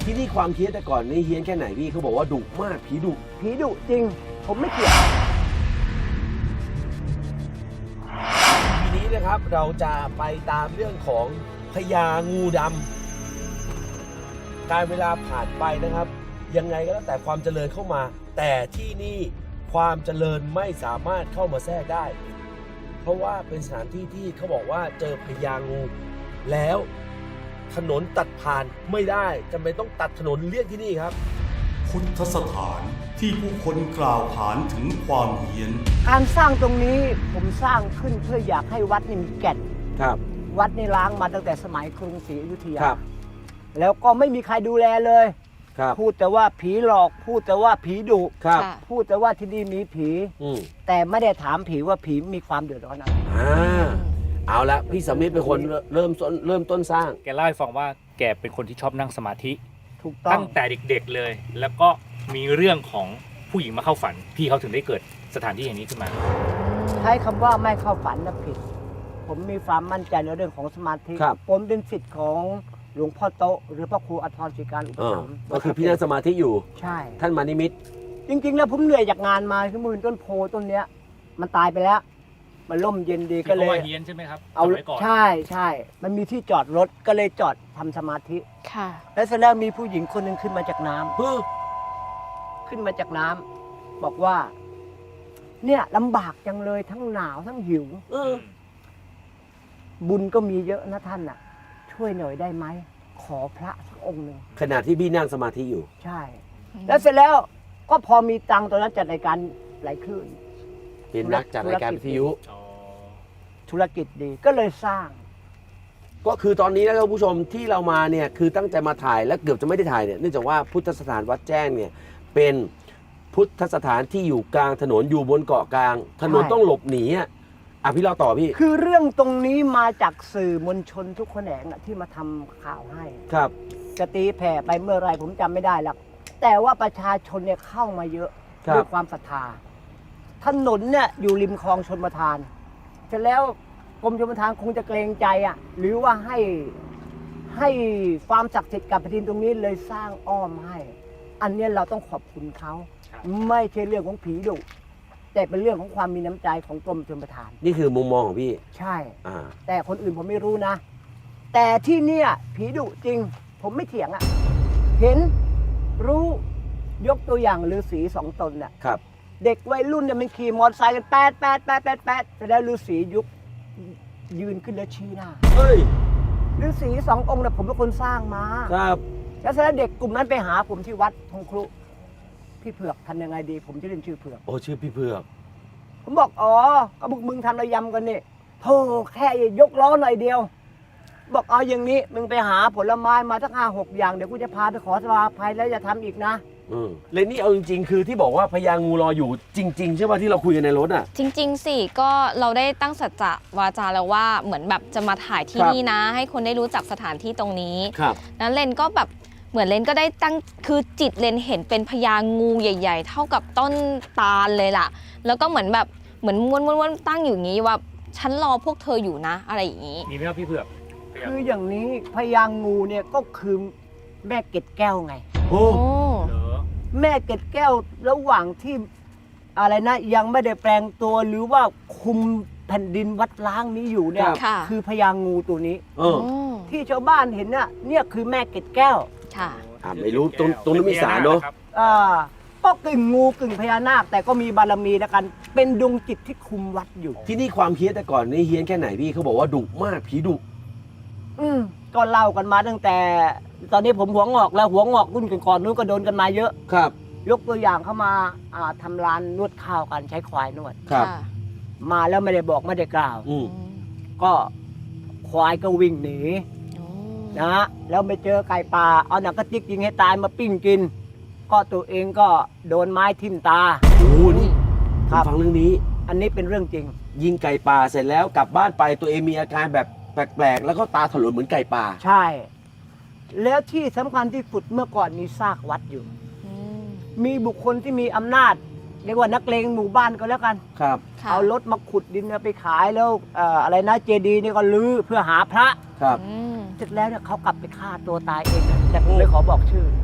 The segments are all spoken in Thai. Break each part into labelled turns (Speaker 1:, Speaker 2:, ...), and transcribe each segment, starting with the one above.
Speaker 1: ที่นี่ความเฮี้ยนแต่ก่อนนี่เฮี้ยนแค่ไหนพี่เขาบอกว่าดุมากผีดุ
Speaker 2: จริงผมไม่เกี่ยว
Speaker 1: ทีนี้นะครับเราจะไปตามเรื่องของพญางูดำการเวลาผ่านไปนะครับ ยังไงก็แล้วแต่ความเจริญเข้ามา แต่ที่นี่ความเจริญไม่สามารถเข้ามาแทรกได้ เพราะว่าเป็นสถานที่ที่เขาบอกว่าเจอพญางูแล้วถนนตัดผ่านไม่ได้จำเป็นต้องตัดถนนเลี่ยงที่นี่ครับ
Speaker 3: พุทธสถานที่ผู้คนกล่าวขานถึงความเฮี้ยน
Speaker 2: การสร้างตรงนี้ผมสร้างขึ้นเพื่ออยากให้วัดนี่มีแก่น
Speaker 1: ครับ
Speaker 2: วัดนี่ล้างมาตั้งแต่สมัยกรุงศรีอยุธยา
Speaker 1: ครับ
Speaker 2: แล้วก็ไม่มีใครดูแลเลย
Speaker 1: ครับ
Speaker 2: พูดแต่ว่าผีหลอกพูดแต่ว่าผีดุ
Speaker 1: ครับ
Speaker 2: พูดแต่ว่าที่นี่มีผีแต่ไม่ได้ถามผีว่าผีมีความเดือดร้อนอะไร
Speaker 1: เอาละพี่สำลิดเป็นคนเริ่มต้นสร้าง
Speaker 4: แกเล่าให้ฟังว่าแกเป็นคนที่ชอบนั่งสมาธิ
Speaker 2: ถูกต้อง
Speaker 4: ตั้งแต่เด็กๆเลยแล้วก็มีเรื่องของผู้หญิงมาเข้าฝันพี่เขาถึงได้เกิดสถานที่อย่างนี้ขึ้นมา
Speaker 2: ใช้คำว่าไม่เข้าฝันนะผิดผมมีความมั่นใจในเรื่องของสมาธิผมเป็นศิษย์ของหลวงพ่อโตหรือพระครูอัธรศิการอุปถัมภ์
Speaker 1: ก็คือพี่นั่งสมาธิอยู่
Speaker 2: ใช่
Speaker 1: ท่านมานิมิต
Speaker 2: จริงๆแล้วผมเหนื่อยจากงานมาคือมือต้นโพต้นเนี้ยมันตายไปแล้วมันร่มเย็นดีก็เลย
Speaker 4: เฮียนใช่ไหมครับ
Speaker 2: เอาใช่มันมีที่จอดรถก็เลยจอดทำสมาธิ
Speaker 5: ค่ะ
Speaker 2: แล้วเสร็จแล้วมีผู้หญิงคนหนึ่งขึ้นมาจากน้ำขึ้นมาจากน้ำบอกว่าเนี่ยลำบากจังเลยทั้งหนาวทั้งหิวบุญก็มีเยอะนะท่านน่ะช่วยหน่อยได้ไหมขอพระสักองค์หนึ่ง
Speaker 1: ขณะที่พี่นั่งสมาธิอยู่
Speaker 2: ใช่แล้วเสร็จแล้วก็พอมีตังค์ตอนนั้นจัดรายการหลายคลื่น
Speaker 1: เป็นนักจัดรายการวิทยุ
Speaker 2: ธุรกิจดีก็เลยสร้าง
Speaker 1: ก็คือตอนนี้นะครับผู้ชมที่เรามาเนี่ยคือตั้งใจมาถ่ายและเกือบจะไม่ได้ถ่ายเนี่ยเนื่องจากว่าพุทธสถานวัดแจ้งเนี่ยเป็นพุทธสถานที่อยู่กลางถนนอยู่บนเกาะกลางถนนต้องหลบหนีพี่เราต่อพี่
Speaker 2: คือเรื่องตรงนี้มาจากสื่อมวลชนทุกแขนงที่มาทำข่าวให้
Speaker 1: ครับ
Speaker 2: จะตีแผ่ไปเมื่อไรผมจำไม่ได้หรอกแต่ว่าประชาชนเนี่ยเข้ามาเยอะด้วยความศรัทธาถนนเนี่ยอยู่ริมคลองชลประทานเสร็จแล้วกรมชลประทานคงจะเกรงใจหรือว่าให้ความศักดิ์สิทธิ์กับแผ่นดินตรงนี้เลยสร้างอ้อมให้อันนี้เราต้องขอบคุณเขาไม่ใช่เรื่องของผีดุแต่เป็นเรื่องของความมีน้ำใจของกรมชลประทาน
Speaker 1: นี่คือมุมมองของพี่
Speaker 2: ใช่แต่คนอื่นผมไม่รู้นะแต่ที่เนี่ยผีดุจริงผมไม่เถียงเห็นรู้ยกตัวอย่างฤาษี2 ตน
Speaker 1: ครับ
Speaker 2: เด็กวัยรุ่นเนี่ยมันขี่มอเตอร์ไซค์กันแปดแต่แล้วฤาษียุคยืนขึ้นแล้วชี้หน้า
Speaker 1: เฮ้ย
Speaker 2: ฤาษี2 องค์เนี่ยผมเป็นคนสร้างมา
Speaker 1: ครับ
Speaker 2: แล้วเสร็จแล้วเด็กกลุ่มนั้นไปหาผมที่วัดทงครุพี่เผือกทำยังไงดีผมจะเรียนชื่อเผือก
Speaker 1: โอ้ชื่อพี่เผือก
Speaker 2: ผมบอกอ๋อก็มึงทำระยำกันนี่โธ่แค่ยกล้อหน่อยเดียวบอกเอาอย่างนี้มึงไปหาผลไม้มาสัก5-6 อย่างเดี๋ยวกูจะพาไปขอสมาภัยแล้วจะทำอีกนะ
Speaker 1: เลยนี่เอาจริงๆคือที่บอกว่าพญางูรออยู่จริงๆใช่ป่ะที่เราคุยกันในรถ
Speaker 5: จริงๆสิก็เราได้ตั้งสัจจะวาจาแล้วว่าเหมือนแบบจะมาถ่ายที่นี่นะให้คนได้รู้จักสถานที่ตรงนี้นั้นเลนก็แบบเหมือนเลนก็ได้ตั้งคือจิตเลนเห็นเป็นพญางูใหญ่ๆเท่ากับต้นตาลเลยล่ะแล้วก็เหมือนแบบเหมือนม้วนตั้งอยู่อย่างนี้ว่าฉันรอพวกเธออยู่นะอะไรอย่างนี้
Speaker 4: มีไหมครับพี่เผือก
Speaker 2: คืออย่างนี้พญางูเนี่ยก็คือแม่เกล็ดแก้วไง
Speaker 1: โอ้
Speaker 2: แม่เกล็ดแก้วระหว่างที่อะไรนะยังไม่ได้แปลงตัวหรือว่าคุมแผ่นดินวัดล้างนี้อยู่เนี่ยคือพญางูตัวนี้ที่ชาวบ้านเห็นเนี่ยคือแม่เกล็ดแก้ว
Speaker 1: ไม่รู้ตรงนี้มีสารเนาะ
Speaker 2: ก็กึ่งงูกึ่งพญานาคแต่ก็มีบารมีแล้วกันเป็นดวงจิตที่คุมวัดอยู่
Speaker 1: ที่นี่ความเฮี้ยนแต่ก่อนนี่เฮี้ยนแค่ไหนพี่เขาบอกว่าดุมากผีดุ
Speaker 2: ก็เล่ากันมาตั้งแต่ตอนนี้ผมหัวงอกแล้วหัวงอกรุ่นก่อนนู้นก็โดนกันมาเยอะ
Speaker 1: ครับ
Speaker 2: ยกตัวอย่างเข้ามาทำร้านนวดข้าวกันใช้ควายนวด
Speaker 1: ครับ
Speaker 2: มาแล้วไม่ได้บอกไม่ได้กล่าวก็ควายก็วิ่งหนีนะแล้วไปเจอไก่ป่าเอาหนังกระติกยิงให้ตายมาปิ้งกินก็ตัวเองก็โดนไม้ทิ่มตา
Speaker 1: นี่ฟังเรื่องนี้
Speaker 2: อันนี้เป็นเรื่องจริง
Speaker 1: ยิงไก่ป่าเสร็จแล้วกลับบ้านไปตัวเองมีอาการแบบแปลกๆแล้วก็ตาถลนเหมือนไก่ป่า
Speaker 2: ใช่แล้วที่สำคัญที่สุดเมื่อก่อนมีซากวัดอยู่มีบุคคลที่มีอำนาจเรียกว่านักเลงหมู่บ้านก็แล้วกัน
Speaker 1: ครับ
Speaker 2: เอารถมาขุดดินไปขายแล้วอะไรนะเจดีย์นี่ก็ลื้อเพื่อหาพระ
Speaker 1: ครับ
Speaker 2: เสร็จแล้วเนี่ยเขากลับไปฆ่าตัวตายเองแต่ผมไม่ขอบอกชื่อ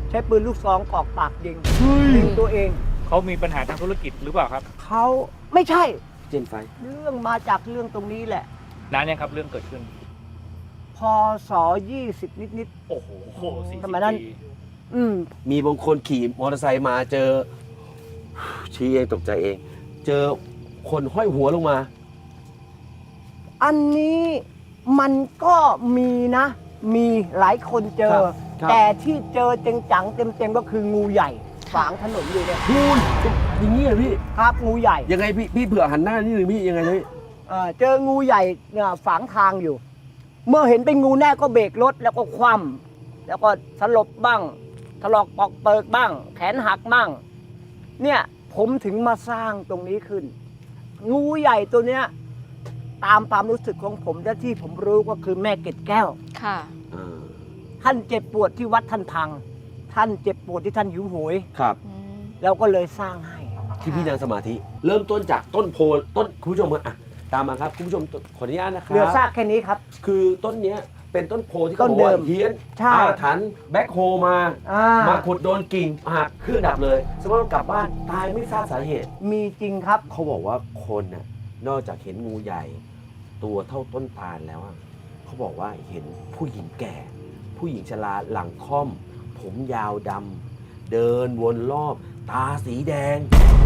Speaker 2: ใช้ปืนลูกซองกรอกปากยิงตัวเอง
Speaker 4: เขามีปัญหาทางธุรกิจหรือเปล่าครับ
Speaker 2: เขาไม่ใช่
Speaker 1: เจนไฟ
Speaker 2: เรื่องมาจากเรื่องตรงนี้แหละ
Speaker 4: นานยังครับเรื่องเกิดขึ้น
Speaker 2: พศ20 นิด
Speaker 4: โอ้โห40
Speaker 2: ทำไมนั้น
Speaker 4: ปี
Speaker 2: ๆอืม
Speaker 1: มีบางคนขี่มอเตอร์ไซค์มาเจอ ชี้เองตกใจเอง เจอคนห้อยหัวลงมา
Speaker 2: อันนี้มันก็มีนะ มีหลายคนเจอ
Speaker 1: ครับ
Speaker 2: แต่ที่เจอจังๆเต็มๆก็คืองูใหญ่ขวางถนนอยู่เนี่ย
Speaker 1: พูนอย่างนี้เหรอพี่
Speaker 2: ครับงูใหญ่
Speaker 1: ยังไงพี่เผื่อหันหน้านิดนึงพี่ยังไงพี่
Speaker 2: เจองูใหญ่เนี่ยฝังทางอยู่ เมื่อเห็นเป็นงูแน่ก็เบรกรถแล้วก็คว่ำแล้วก็สลบบ้างถลอกปอกเปิกบ้าง แขนหักบ้าง เนี่ยผมถึงมาสร้างตรงนี้ขึ้น งูใหญ่ตัวเนี้ยตามความรู้สึกของผมและที่ผมรู้ก็คือแม่เกล็ดแก้ว
Speaker 5: ค่ะ
Speaker 2: ท่านเจ็บปวดที่วัดท่านพัง ท่านเจ็บปวดที่ท่านหิวโหย
Speaker 1: ครับ
Speaker 5: อืม
Speaker 2: เราก็เลยสร้างให้
Speaker 1: ที่พี่นั่งสมาธิ เริ่มต้นจากต้นโพต้นคุณผู้ชมอ่ะตามมาครับคุณผู้ชมขออนุญาตนะครั
Speaker 2: เหลือซากแค่นี้ครับ
Speaker 1: คือต้นเนี้ยเป็นต้นโพที่เขา
Speaker 2: ต้น
Speaker 1: บอกว่า
Speaker 2: เดิม
Speaker 1: เฮี้ยน
Speaker 2: ใช่
Speaker 1: อาถรรพ์แบ็คโฮมา
Speaker 2: อ่า
Speaker 1: มาขุดโดนกิ่งหักเครื่องดับเลยสมมติกลับบ้านตายไม่ทราบสาเหตุ
Speaker 2: มีจริงครับ
Speaker 1: เขาบอกว่าคนน่ะนอกจากเห็นงูใหญ่ ตัวเท่าต้นตาลแล้วอะเขาบอกว่าเห็นผู้หญิงแก่ ผู้หญิงชราหลังค่อม ผมยาวดำเดินวนรอบ ตาสีแดง